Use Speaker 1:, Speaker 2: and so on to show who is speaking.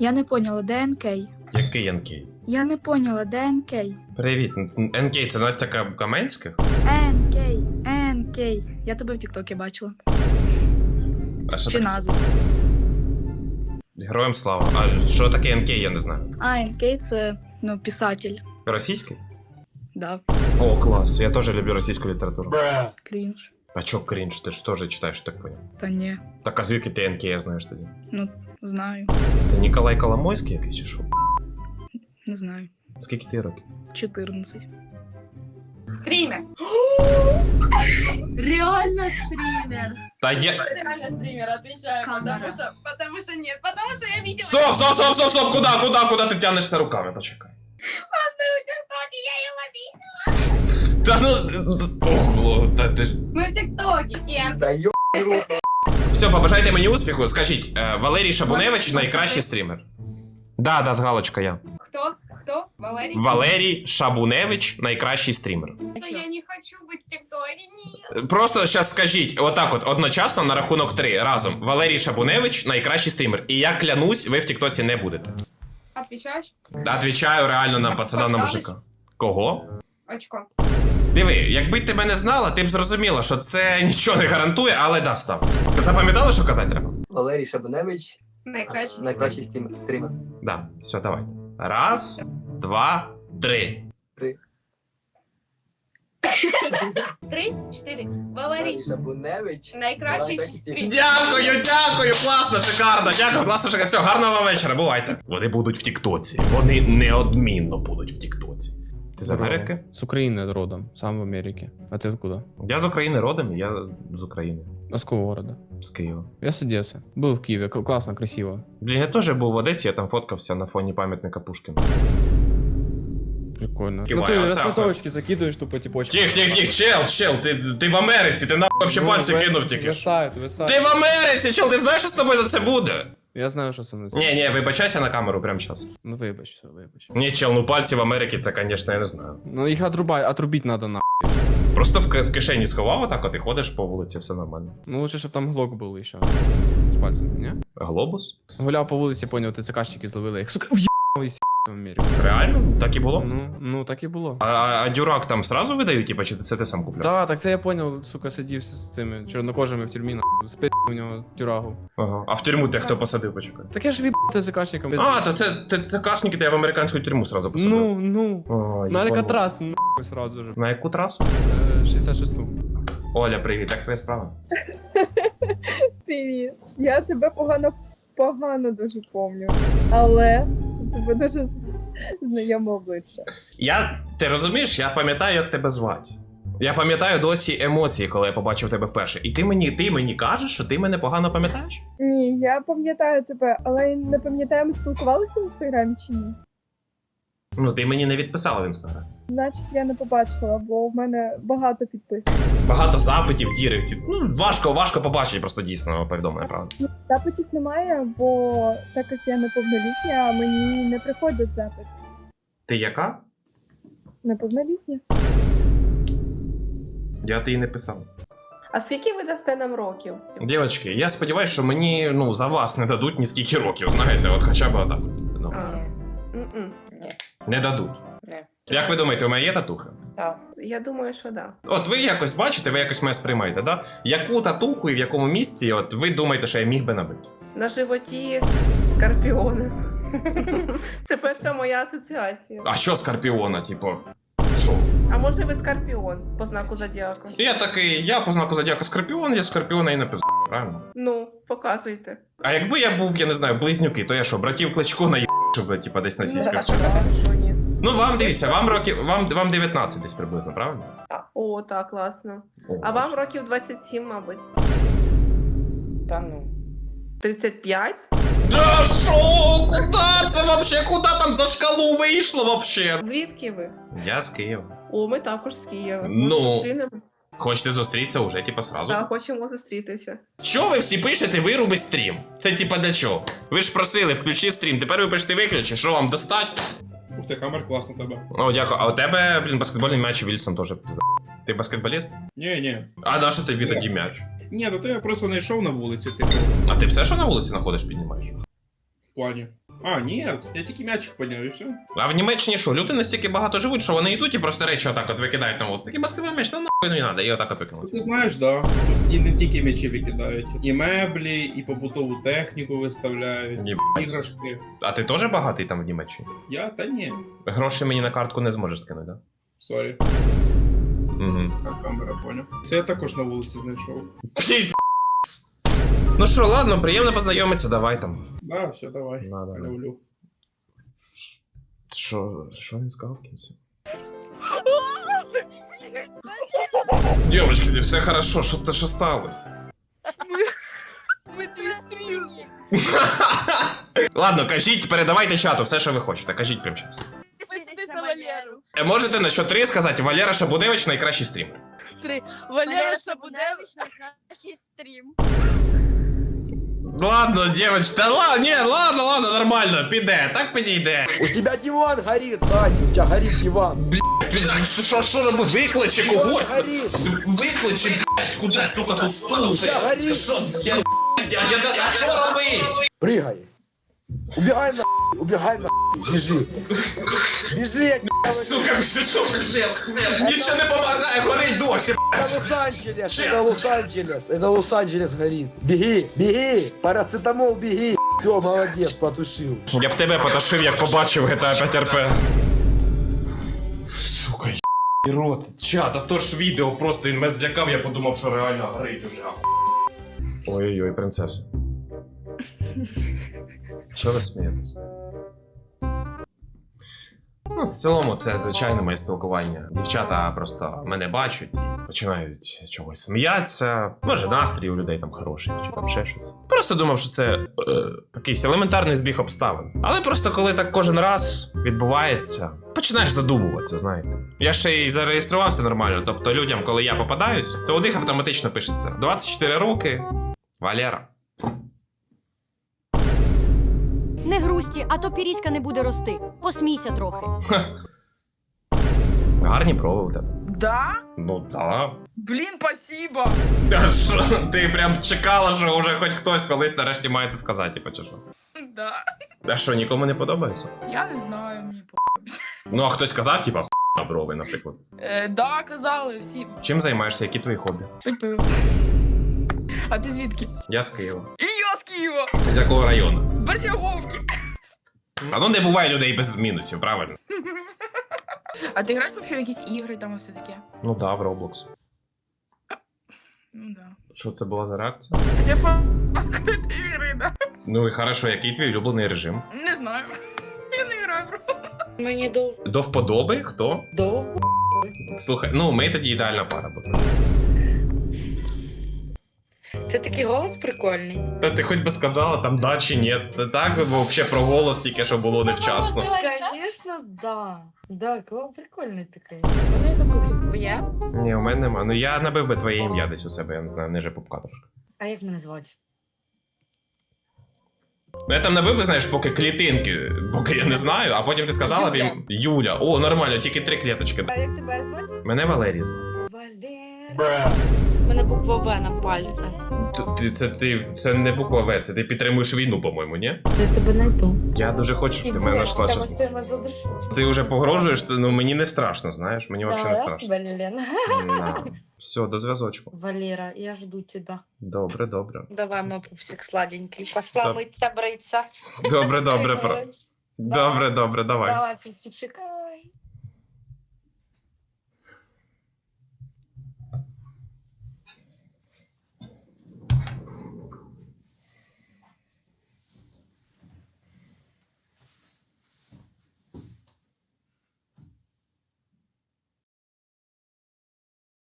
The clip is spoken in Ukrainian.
Speaker 1: Я не поняла, де НК?
Speaker 2: Який НК?
Speaker 1: Я не поняла, де НК?
Speaker 2: Привіт, НК, це Настя Каменських?
Speaker 1: НК. Я тебе в Тіктокі бачила.
Speaker 2: А що
Speaker 1: Чи
Speaker 2: таке?
Speaker 1: назва?
Speaker 2: Героям слава. А що таке НК, я не знаю.
Speaker 1: А, НК це, писатель.
Speaker 2: Російський?
Speaker 1: Да,
Speaker 2: О, клас, я теж люблю російську літературу.
Speaker 1: крінж.
Speaker 2: А чо крінж, ти ж теж читаєш, так поняв?
Speaker 1: Та ні,
Speaker 2: Так, а звідки ти НК, я знаєш тоді?
Speaker 1: знаю,
Speaker 2: Це Ніколай Коломойський якийсь чи що?
Speaker 1: не знаю.
Speaker 2: Скільки ти років?
Speaker 1: 14.
Speaker 3: Стример.
Speaker 1: Реально стрімер.
Speaker 2: Та я...
Speaker 3: Реально стример, отвечаю.
Speaker 1: Камера.
Speaker 3: Потому что нет. Потому что я видела.
Speaker 2: Стоп! Куда ти тянешся руками? Почекай.
Speaker 3: Мы в ТикТоке, я его видела.
Speaker 2: Та ну... Ого, та ти ж...
Speaker 3: Мы в ТикТоке, Кен.
Speaker 4: Да ё...
Speaker 2: Все, побажайте мені успіху. Скажіть, Валерій Шабуневич найкращий стрімер. Да, з галочка я.
Speaker 3: Кто? Кто? Валерий?
Speaker 2: Валерій Шабуневич найкращий стрімер.
Speaker 3: Что я не хочу быть в ТикТоке, нет.
Speaker 2: Просто зараз скажіть, отак от, одночасно на рахунок 3, разом. Валерій Шабуневич найкращий стрімер. І я клянусь, ви в тіктоці не будете.
Speaker 3: Отвечаешь?
Speaker 2: Отвічаю реально на пацана, на мужика. Кого?
Speaker 3: Очко.
Speaker 2: Диви, якби ти мене знала, ти б зрозуміла, що це нічого не гарантує, але да, став. Запам'ятали, що казати треба?
Speaker 4: Валерій Шабуневич, найкращий стрімер.
Speaker 2: Да, все, давайте. Раз, два, три.
Speaker 3: 3, 4. Валерий.
Speaker 4: Шабуневич,
Speaker 3: Найкращий стрим.
Speaker 2: Дякую, класно, шикарно, дякую, класно, шикарно. Все, гарного вам вечора, бувайте. Вони будуть в тіктоці, вони неодмінно будуть в тіктоці. Ти з Америки?
Speaker 5: С Украины родом, сам в Америке. А ты откуда?
Speaker 2: Я з України родом, і я з України.
Speaker 5: А с какого города?
Speaker 2: З Києва.
Speaker 5: Я с Одессы. Был в Киеве, классно, красиво.
Speaker 2: Блін, я теж був в Одесі, я там фоткався на фоні пам'ятника Пушкіну.
Speaker 5: Прикольно.
Speaker 2: Киваю,
Speaker 5: Ну ты
Speaker 2: отца,
Speaker 5: распасовочки закидываешь тупо типочки.
Speaker 2: Тих, чел, ти в Америці, ти нахуй вообще пальці кинув тільки що.
Speaker 5: Висает.
Speaker 2: Ти в Америці, чел, ти знаєш, що з тобою за це буде?
Speaker 5: Я знаю, що со мною.
Speaker 2: Ні, вибачайся на камеру прямо зараз.
Speaker 5: Ну вибач, все, вибач.
Speaker 2: Ні, чел, ну пальці в Америці, це, звісно, я не знаю.
Speaker 5: Ну їх отрубить надо на.
Speaker 2: Просто в кишені сховав отак, от і ходиш по вулиці, все нормально.
Speaker 5: Ну лучше, щоб там глок був ще. З пальцем, ні?
Speaker 2: Глобус?
Speaker 5: Гуляв по вулиці, поняв, ТЦКшники зловили їх. Сука, в'їбали в Америку.
Speaker 2: Реально? Так і було?
Speaker 5: Ну так і було.
Speaker 2: А дюрак там сразу видають, типа, чи це ти сам купляв?
Speaker 5: Да, так це я поняв, сука, сидів з цими чорнокожими в тюрмі, спи у нього тюрагу.
Speaker 2: Ага. А в тюрму ти хто посадив, почекай?
Speaker 5: Так я ж в'їбав ТЦКшникам.
Speaker 2: А, то це кашники, то я в американську тюрму сразу посадив.
Speaker 5: Ну.
Speaker 2: О,
Speaker 5: На
Speaker 2: їбануться.
Speaker 5: Алькатрас, нахуй сразу же.
Speaker 2: На яку трасу?
Speaker 5: 66-ту.
Speaker 2: Оля, привіт, як твоя справа?
Speaker 6: Привіт. Я тебе погано дуже помню. Але тебе дуже знайоме обличчя.
Speaker 2: Ти розумієш, я пам'ятаю, як тебе звати. Я пам'ятаю досі емоції, коли я побачив тебе вперше. І ти мені кажеш, що ти мене погано пам'ятаєш?
Speaker 6: Ні, я пам'ятаю тебе, але я не пам'ятаю, ми спілкувалися в інстаграмі чи ні.
Speaker 2: Ну, ти мені не відписала в інстаграм.
Speaker 6: Значить, я не побачила, бо в мене багато підписів.
Speaker 2: Багато запитів, діректі. Ну, важко побачити просто дійсно повідомлення, правда.
Speaker 6: Запитів немає, бо так як я неповнолітня, мені не приходять запити.
Speaker 2: Ти яка?
Speaker 6: Неповнолітня.
Speaker 2: Я ти і не писав.
Speaker 7: А скільки ви дасте нам років?
Speaker 2: Дівчатки, я сподіваюся, що мені за вас не дадуть ні скільки років, знаєте, от хоча б отак. Ну,
Speaker 7: Ні.
Speaker 2: не дадуть.
Speaker 7: Ні.
Speaker 2: Як ви думаєте, у мене є татуха?
Speaker 7: Так. Я думаю, що да.
Speaker 2: От ви якось бачите, ви якось мене сприймаєте, да? Яку татуху і в якому місці, от ви думаєте, що я міг би набити?
Speaker 7: На животі скорпіони. Це перша моя асоціація.
Speaker 2: А що скорпіона, типу? Що?
Speaker 7: А може ви скорпіон по знаку зодіаку?
Speaker 2: Я такий, я по знаку зодіака скорпіон, я скорпіона і написав, правильно?
Speaker 7: Ну, показуйте.
Speaker 2: А якби я був, я не знаю, близнюки, то я що, братів Кличко наїб, щоб типа десь на сіськах чи?
Speaker 7: Що ні?
Speaker 2: Ну вам дивіться, вам років, вам 19 десь приблизно, правильно?
Speaker 7: О, так, класно.
Speaker 2: О,
Speaker 7: А вам років 27, мабуть.
Speaker 8: Та ну.
Speaker 7: 35?
Speaker 2: Да шо? Куда це вообще? Куда там за шкалу вийшло вообще?
Speaker 7: Звідки ви?
Speaker 2: Я з Києва.
Speaker 7: О, ми також з Києва.
Speaker 2: Ну.
Speaker 7: Зустрінемо?
Speaker 2: Хочете зустрітися уже, типа, сразу?
Speaker 7: Так, хочемо зустрітися.
Speaker 2: Чо ви всі пишете вируби стрім? Це типа для чого? Ви ж просили, включи стрім, тепер ви пишете виключи, що вам достать?
Speaker 9: Ух ти, камер класно тебе.
Speaker 2: О, дякую. А у тебе, блін, баскетбольний м'яч Вільсон теж пізда. Ти баскетболіст?
Speaker 9: Ні.
Speaker 2: А на що тобі тоді м'яч?
Speaker 9: Ні, то я просто не йшов на вулиці, типу.
Speaker 2: А ти все, що на вулиці знаходиш, піднімаєш?
Speaker 9: В плані. А, ні, я тільки м'ячик підняв і все.
Speaker 2: А в Німеччині що, люди настільки багато живуть, що вони йдуть і просто речі отак от викидають на вулицю. Такий баскетбольний м'яч, нахуй не треба, і отак от викинуть.
Speaker 9: Ти знаєш, да. Тут і не тільки м'ячі викидають. І меблі, і побутову техніку виставляють,
Speaker 2: Єбать.
Speaker 9: іграшки.
Speaker 2: А ти теж багатий там в Німеччині?
Speaker 9: Я? Та ні.
Speaker 2: Гроші мені на картку не зможеш скинути, так?
Speaker 9: Сорі.
Speaker 2: Угу.
Speaker 9: Так, камера, поняв. Це я також на вулиці знайшов.
Speaker 2: Пісь. Ну що, ладно, приємно познайомитися, давай там.
Speaker 9: Да, все, давай.
Speaker 2: Да, да, да.
Speaker 9: Люблю.
Speaker 2: Що він сказав в кінці? Дівчатки, все хорошо, що сталося?
Speaker 3: Ми твій стрім.
Speaker 2: Ладно, кажіть, передавайте чату все, що ви хочете. Кажіть прямо зараз.
Speaker 3: Підписуйтесь на Валеру.
Speaker 2: Можете на що 3 сказати, Валера Шабуневич найкращий стрімер.
Speaker 3: Валера Шабуневич найкращий стрім.
Speaker 2: Ладно, девочки, та ладно, ні, ладно, нормально, піде, так підійде.
Speaker 4: У тебя диван горит, Сатя, у тебя горит диван.
Speaker 2: Що робити? Викличе когось?
Speaker 4: Горит.
Speaker 2: Викличе, блядь, куди, сука, тут стул?
Speaker 4: горить.
Speaker 2: Що, а що робить?
Speaker 4: Прыгай. Убегай на убегай на бежи. Бежи, я
Speaker 2: Сука, що, нічого не помагає, горить досі.
Speaker 4: Это Лос-Анджелес, это Лос-Анджелес, это Лос-Анджелес горит. Беги, беги, парацетамол, беги. Все, молодец, потушил.
Speaker 2: Я б тебе потушив, як побачив GTA 5 RP. Сука, і рот, чат, а то ж відео просто він мене злякав, я подумав, що реально горить уже. Ой-ой-ой, принцеса. Чого ви смієтесь? Ну, в цілому, це звичайне моє спілкування. Дівчата просто мене бачать і починають чогось сміятися. Може, настрій у людей там хороший, чи там ще щось. Просто думав, що це якийсь елементарний збіг обставин. Але просто коли так кожен раз відбувається, починаєш задумуватися, знаєте. Я ще й зареєструвався нормально, тобто людям, коли я попадаюсь, то у них автоматично пишеться 24 роки, Валера.
Speaker 10: Не грусті, а то піріська не буде рости. Посмійся трохи.
Speaker 2: Гарні брови у тебе.
Speaker 8: Да?
Speaker 2: Ну, да.
Speaker 8: Блін, спасибо.
Speaker 2: Та що, ти прям чекала, що вже хоч хтось колись нарешті має це сказати, типу, чи що?
Speaker 8: Да.
Speaker 2: А що, нікому не подобається?
Speaker 8: Я не знаю, мені
Speaker 2: Ну, а хтось сказав, типа, на брови, наприклад.
Speaker 8: Да, казали всі.
Speaker 2: Чим займаєшся, які твої хобі?
Speaker 8: Пить пиво. А ти звідки?
Speaker 2: Я з Києва.
Speaker 8: І я з Києва.
Speaker 2: З якого району?
Speaker 8: З Бердяговки.
Speaker 2: А ну не буває людей без мінусів, правильно?
Speaker 8: А ти граєш вообще в якісь ігри там і все таке?
Speaker 2: Ну да, в Roblox.
Speaker 8: Ну да.
Speaker 2: Що це була за реакція?
Speaker 8: Я фанатка ігри, да?
Speaker 2: Ну і хорошо, який твій улюблений режим?
Speaker 8: Не знаю. Я не граю просто.
Speaker 3: Мені
Speaker 2: До вподоби? Хто?
Speaker 3: довго.
Speaker 2: Слухай, ну ми тоді ідеальна пара.
Speaker 3: Це такий голос прикольний.
Speaker 2: Та ти хоч би сказала там да чи ні. Це так би взагалі про голос тільки що було невчасно.
Speaker 3: Звісно, да. Да, прикольний такий. Вони таку твоє.
Speaker 2: Ні, у мене нема. Ну я набив би твоє ім'я десь у себе, я не знаю, ниже пупка трошки.
Speaker 3: А як мене звати?
Speaker 2: Ну я там набив би, знаєш, поки клітинки, поки я не знаю, а потім ти сказала б їм Юля. О, нормально, тільки 3 кліточки.
Speaker 3: А як тебе звати?
Speaker 2: Мене Валерій звати.
Speaker 3: Валера. У мене буква В на пальці.
Speaker 2: Це не буква В, це ти підтримуєш війну, по-моєму, ні?
Speaker 3: Я тебе знайду.
Speaker 2: Я дуже хочу, щоб ти мене знайшла, чесно. Ти вже погрожуєш, ну мені не страшно, знаєш, мені взагалі не страшно.
Speaker 3: Блін.
Speaker 2: Да. Все, до зв'язочку.
Speaker 3: Валера, я жду тебя.
Speaker 2: Добре, добре.
Speaker 3: Давай, мой пупсик сладенький. Пошла
Speaker 2: Так.
Speaker 3: мыться, бриться.
Speaker 2: Добре, добре, про. Добре, добре, давай.
Speaker 3: Давай, пупсичек.